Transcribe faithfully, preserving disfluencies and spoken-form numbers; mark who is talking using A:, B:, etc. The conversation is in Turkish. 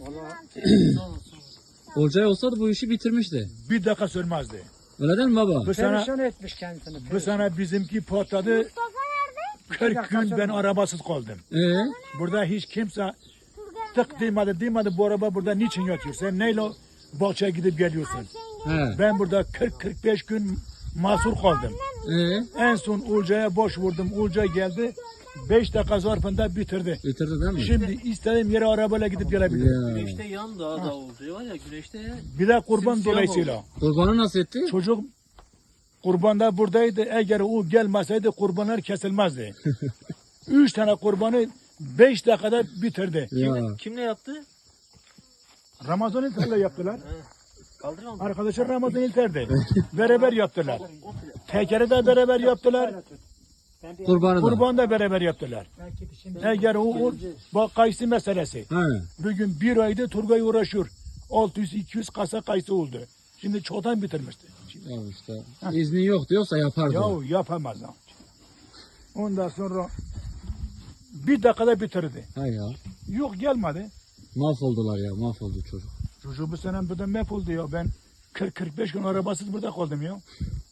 A: Olcay olsaydı bu işi bitirmişti.
B: Bir dakika sürmezdi.
A: Öyle değil mi baba?
B: Bu sana,
C: Perişan etmiş kendisini.
B: bu sana bizimki patladı. kırk gün ben arabasız kaldım.
A: Ee?
B: Burada hiç kimse tık demedi demedi bu araba burada niçin yatıyor? Sen neyle bahçeye gidip geliyorsun?
A: He.
B: Ben burada kırk kırk beş gün mahsur kaldım.
A: Ee?
B: En son Ulca'ya boş vurdum. Ulca geldi. beş dakika zarfında bitirdi.
A: Bitirdi değil mi?
B: Şimdi istediğim yere arabayla gidip gelebilirim.
A: Ya.
D: Güneşte yan daha da oldu var ya güneşte.
B: Bir de kurban
D: Simsiyah
B: dolayısıyla.
A: Kurbanı nasıl etti?
B: Çocuk kurban da buradaydı. Eğer o gelmeseydi kurbanlar kesilmezdi. Üç tane kurbanı beş dakikada bitirdi.
A: Ya.
D: Kimle, kimle yaptı?
B: Ramazan İlter'le yaptılar.
D: Kaldırıyor mu?
B: Arkadaşlar Ramazan İlter'di. Beraber yaptılar. Tekeri de beraber yaptılar.
A: Kurbanı da.
B: Kurban da beraber yaptılar. Eğer o, o bak kayısı meselesi.
A: He.
B: Bugün bir ayda Turgay uğraşıyor. altı yüz iki yüz kasa kayısı oldu. Şimdi çoktan bitirmişti.
A: Ya işte. İzni yok diyorsa yapardı.
B: Ya yapamaz. ha. Ondan sonra bir dakikada bitirdi.
A: Ha ya.
B: Yok gelmedi.
A: Mahvoldular ya. Mahvoldu çocuk.
B: Çocuğu bu sene burada mahvoldu ya. Ben kırk kırk beş gün arabasız burada kaldım ya.